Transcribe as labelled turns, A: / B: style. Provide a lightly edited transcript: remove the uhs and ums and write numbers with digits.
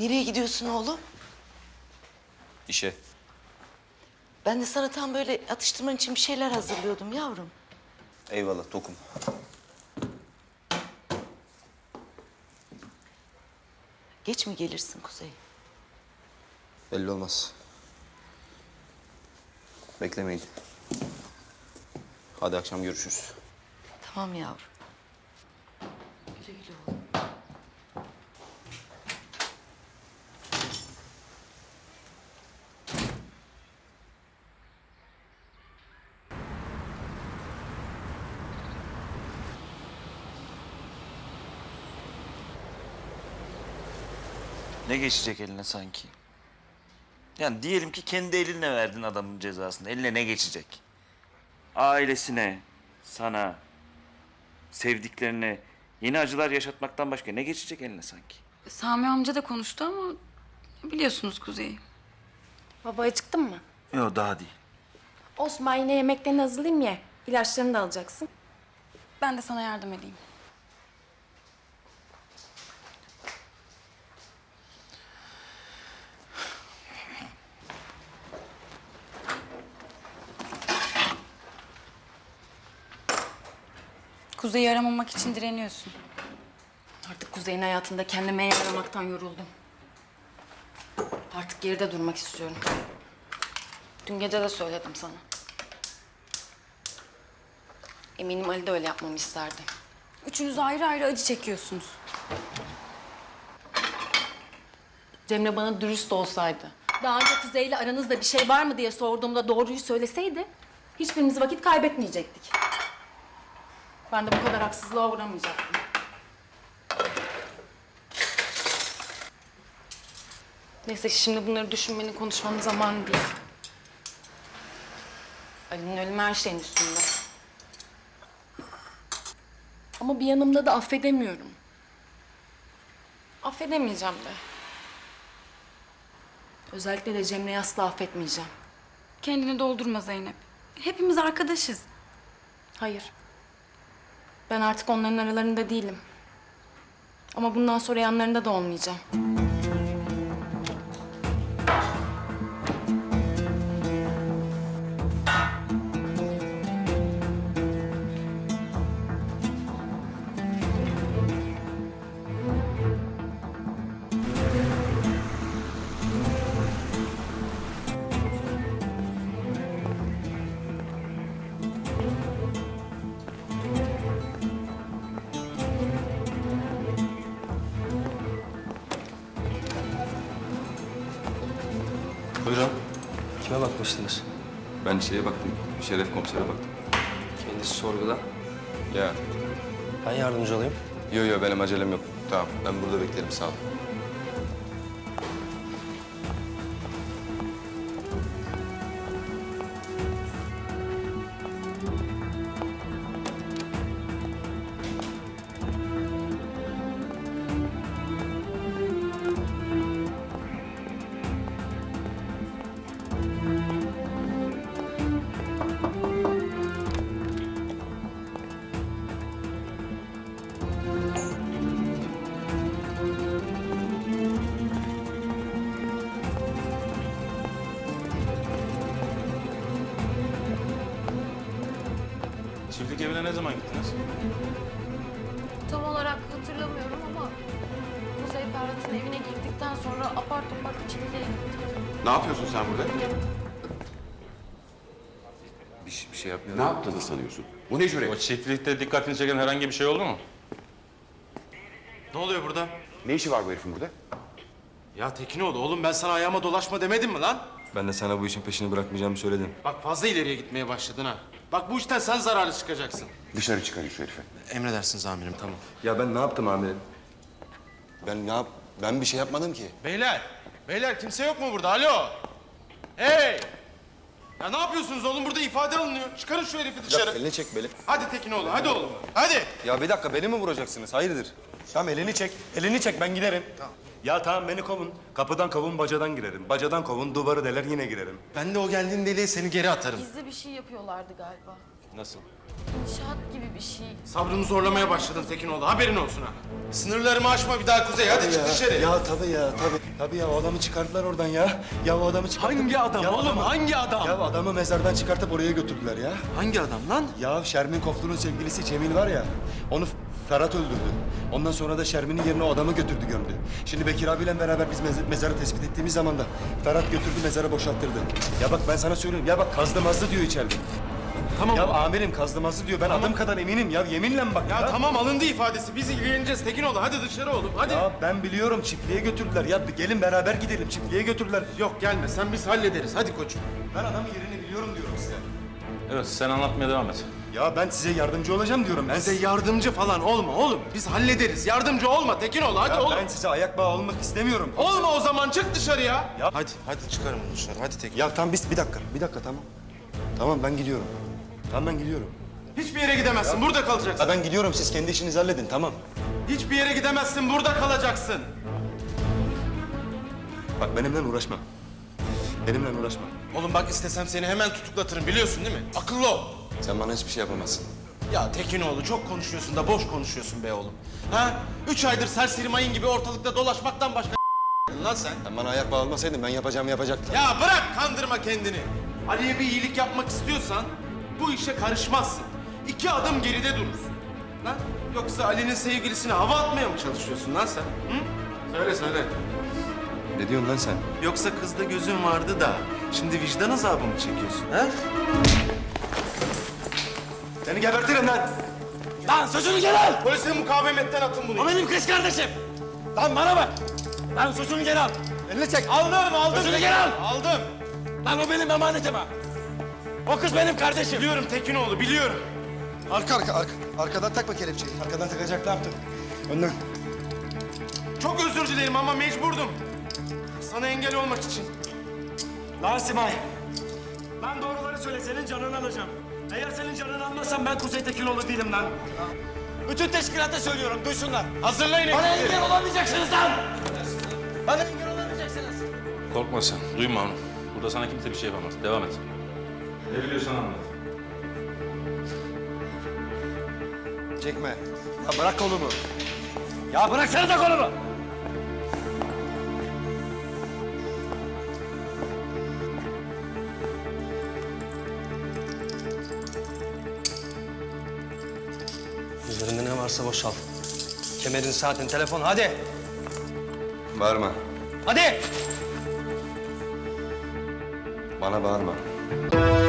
A: Nereye gidiyorsun oğlum?
B: İşe.
A: Ben de sana tam böyle atıştırman için bir şeyler hazırlıyordum yavrum.
B: Eyvallah tokum.
A: Geç mi gelirsin Kuzey?
B: Belli olmaz. Beklemeyin. Hadi akşam görüşürüz.
A: Tamam yavrum. Güle güle oğlum.
C: Ne geçecek eline sanki? Yani diyelim ki kendi elinle verdin adamın cezasını. Eline ne geçecek? Ailesine, sana, sevdiklerine yeni acılar yaşatmaktan başka ne geçecek eline sanki?
D: Sami amca da konuştu ama biliyorsunuz Kuzey'i.
E: Baba acıktın mı?
C: Yok daha değil.
E: Olsun ben yine yemeklerini hazırlayayım ye. İlaçlarını da alacaksın.
D: Ben de sana yardım edeyim. Kuzey'i aramamak için direniyorsun.
E: Artık Kuzey'in hayatında kendime yer aramaktan yoruldum. Artık geride durmak istiyorum. Dün gece de söyledim sana. Eminim Ali de öyle yapmamı isterdi.
D: Üçünüz ayrı ayrı acı çekiyorsunuz.
E: Cemre bana dürüst olsaydı, daha önce Kuzey'le aranızda bir şey var mı diye sorduğumda doğruyu söyleseydi, hiçbirimiz vakit kaybetmeyecektik. Ben de bu kadar haksızlığa uğramayacaktım. Neyse şimdi bunları düşünmenin, konuşmanın zamanı değil. Ali'nin ölümü her şeyin üstünde. Ama bir yanımda da affedemiyorum. Affedemeyeceğim de. Özellikle de Cemre'yi asla affetmeyeceğim.
D: Kendini doldurma Zeynep. Hepimiz arkadaşız.
E: Hayır. Ben artık onların aralarında değilim. Ama bundan sonra yanlarında da olmayacağım.
B: Buyurun.
F: Kime bakmıştınız?
B: Ben şeye baktım. Şeref komisere baktım.
F: Kendisi sorguda.
B: Ya.
F: Ben yardımcı olayım.
B: Yo benim acelem yok. Tamam ben burada beklerim sağ ol.
G: Çiftlik evine ne zaman gittiniz?
H: Tam olarak hatırlamıyorum ama Kuzey Ferhat'ın evine girdikten sonra apar topar çiftliğe gittik.
I: Ne yapıyorsun sen burada?
B: Bir şey yapmıyorum.
I: Ne yaptığını sanıyorsun? Bu ne
G: O
I: cüret?
G: çiftlikte dikkatini çeken herhangi bir şey oldu mu?
J: Ne oluyor burada?
I: Ne işi var bu herifin burada?
J: Ya Tekinoğlu oğlum ben sana ayağıma dolaşma demedim mi lan?
B: Ben de sana bu işin peşini bırakmayacağımı söyledim.
J: Bak fazla ileriye gitmeye başladın ha. Bak bu işten sen zararlı çıkacaksın.
I: Dışarı çıkarın şu herifi.
J: Emredersiniz amirim tamam.
B: Ya ben ne yaptım amirim? Ben bir şey yapmadım ki.
J: Beyler kimse yok mu burada? Alo. Hey! Ya ne yapıyorsunuz oğlum burada ifade alınıyor. Çıkarın şu herifi dışarı.
B: Elini çek beni.
J: Hadi Tekinoğlu hadi oğlum. Hadi.
B: Ya bir dakika beni mi vuracaksınız? Hayırdır?
F: Tamam elini çek. Elini çek ben giderim. Tamam. Ya tamam beni kovun. Kapıdan kovun bacadan girerim. Bacadan kovun duvarı deler yine girerim.
J: Ben de o geldiğin deliğe seni geri atarım.
H: Gizli bir şey yapıyorlardı galiba.
G: Nasıl?
H: İnşaat gibi bir şey.
J: Sabrımı zorlamaya başladın Tekinoğlu. Haberin olsun ha. Sınırlarımı aşma bir daha Kuzey. Hadi çık dışarı.
B: Ya tabii ya tabii. Tabii ya o adamı çıkardılar oradan ya. Ya o adamı çıkartıp...
J: Hangi adam
B: Ya
J: oğlum? Hangi adam?
B: Ya adamı mezardan çıkartıp oraya götürdüler ya.
J: Hangi adam lan?
B: Ya Şermin Koflu'nun sevgilisi Cemil var ya, onu Ferhat öldürdü. Ondan sonra da Şermin'in yerine o adamı götürdü gömdü. Şimdi Bekir abiyle beraber biz mezarı tespit ettiğimiz zaman da Ferhat götürdü mezarı boşalttırdı. Ya bak ben sana söylüyorum, ya bak kazdı mazdı diyor içeride.
J: Tamam.
B: Ya amirim kazdı mazdı diyor, ben adım kadar eminim ya, yeminle bak ya.
J: Ya tamam alındı ifadesi. Biz ilgileneceğiz Tekinoğlu. Hadi dışarı oğlum. Hadi.
B: Ya ben biliyorum, çiftliğe götürdüler. Ya gelin beraber gidelim, çiftliğe götürdüler.
J: Yok gelme. Sen biz hallederiz. Hadi koçum.
B: Ben adamın yerini biliyorum diyorum size.
G: Evet, sen anlatmaya devam et.
B: Ya ben size yardımcı olacağım diyorum. Ben
J: Bize
B: size...
J: yardımcı falan olma oğlum. Biz hallederiz. Yardımcı olma Tekinoğlu. Hadi
B: Ya
J: oğlum.
B: ben size ayak bağı olmak istemiyorum.
J: Olma o zaman. Çık dışarıya.
B: Ya-
J: Hadi çıkarım bunu dışarı. Hadi Tekin.
B: Ya tamam bir dakika tamam. Tamam ben gidiyorum. Tamam ben gidiyorum.
J: Hiçbir yere gidemezsin. Burada kalacaksın.
B: Ya ben gidiyorum, siz kendi işinizi halledin, tamam.
J: Hiçbir yere gidemezsin. Burada kalacaksın.
B: Bak benimle uğraşma. Benimle uğraşma.
J: Oğlum bak istesem seni hemen tutuklatırım. Biliyorsun değil mi? Akıllı ol.
B: Sen bana hiçbir şey yapamazsın.
J: Ya Tekinoğlu çok konuşuyorsun da boş konuşuyorsun be oğlum. Ha? 3 aydır serseri mayın gibi ortalıkta dolaşmaktan başka lan sen.
B: Sen bana ayak bağı olmasaydın ben yapacağımı yapacaktım.
J: Ya bırak kandırma kendini. Ali'ye bir iyilik yapmak istiyorsan bu işe karışmazsın. 2 adım geride durursun. Lan yoksa Ali'nin sevgilisine hava atmaya mı çalışıyorsun lan sen? Hı? Söyle.
B: Ne diyorsun lan sen?
J: Yoksa kızda gözün vardı da şimdi vicdan azabı mı çekiyorsun ha?
B: Seni gebertirim lan!
J: Lan sözünü geri al! Polise mukavemetten atın bunu. O benim kız kardeşim. Lan bana bak. Lan sözünü geri al.
B: Elini çek!
J: Aldım.
B: Sözünü geri al!
J: Aldım.
B: Lan o benim emanetim ha! O kız benim kardeşim!
J: Biliyorum Tekinoğlu biliyorum.
B: Arkadan takma kelepçeyi. Arkadan takacak ne yaptın? Önden.
J: Çok özür dilerim ama mecburdum. Sana engel olmak için.
F: Lan Simay. Lan doğruları söyle, senin canını alacağım. Eğer senin canını almazsam ben Kuzey Tekinoğlu değilim lan. Bütün teşkilata söylüyorum, duysunlar.
J: Hazırlayın
F: Bana
J: ekipleri.
F: engel olamayacaksınız lan! Bana engel olamayacaksınız.
G: Korkma sen, duyma onu. Burada sana kimse bir şey yapamaz. Devam et. Ne biliyorsan anlat.
B: Çekme. Ya bırak kolumu.
F: Ya bıraksana da kolumu!
K: Üzerinde ne varsa boşalt. Kemerin, saatin, telefon, hadi!
B: Bağırma.
K: Hadi!
B: Bana bağırma.